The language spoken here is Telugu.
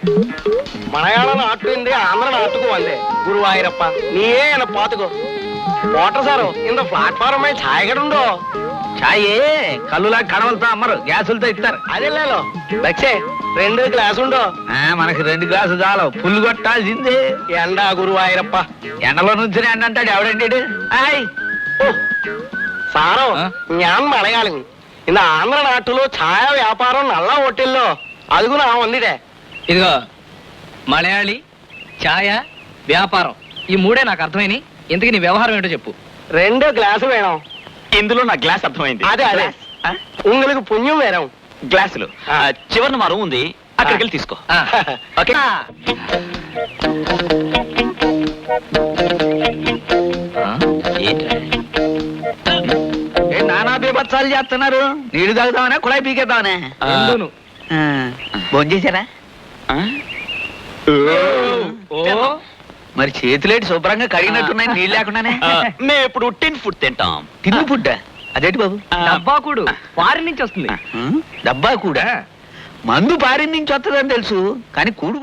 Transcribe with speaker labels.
Speaker 1: மலையாள நாட்டு இருந்து ஆந்திர நாட்டுக்கு வந்தேன் குருவாயூரப்பா நீயே என்ன பாத்துக்கோ మోటార్ సారు ఇంత ప్లాట్ఫారం మీద ఛాయ్ కూడా ఉండో
Speaker 2: ఛాయ్ కల్లులా కడవలతో అమ్మరు గ్యాసులతో ఇస్తారు
Speaker 1: అదేలేలో బచ్చే 2 గ్లాసు ఉండో
Speaker 2: మనకి 2 గ్లాసు చాలు ఫుల్ కొట్టాల్సిందే
Speaker 1: ఎండ గురువాయూరప్ప
Speaker 2: ఎండలో నుంచి ఎండ అంటాడు ఎవడండి
Speaker 1: సారో ഞാൻ മലയാളം இந்த ఆంధ్ర నాటులో ఛాయ వ్యాపారం నల్ల హోటల్లో అదుగు నా ఉందిడే
Speaker 3: ఇదిగో మలయాళి ఛాయ వ్యాపారం ఈ మూడే నాకు అర్థమైంది. ఇంతకీ నీ వ్యవహారం ఏంటో చెప్పు.
Speaker 1: 2 గ్లాసు వేణం.
Speaker 2: ఇందులో నా గ్లాస్ అర్థమైంది.
Speaker 1: అదే உங்களுக்கு పుణ్యం వేరం.
Speaker 2: గ్లాసులు చివరిన మా రూమ్ ఉంది, అక్కడికి వెళ్ళి తీసుకో. ఓకే నానా బీభత్సాలు చేస్తున్నారు. నీళ్లు తాగుతామనే కుళాయి పీకేద్దామనే భోజనం చేశారా? మరి చేతులేటి శుభ్రంగా కడిగినట్టున్నాయి నీళ్ళు లేకుండానే. మేము ఇప్పుడు టిన్ ఫుడ్ తింటాం. టిన్ ఫుడ్ అదేంటి బాబు?
Speaker 3: డబ్బాకుడు ఫారిన్ నుంచి వస్తుంది.
Speaker 2: డబ్బా కూడా మందు పారిన్ నుంచి వస్తుందని తెలుసు, కానీ కూడు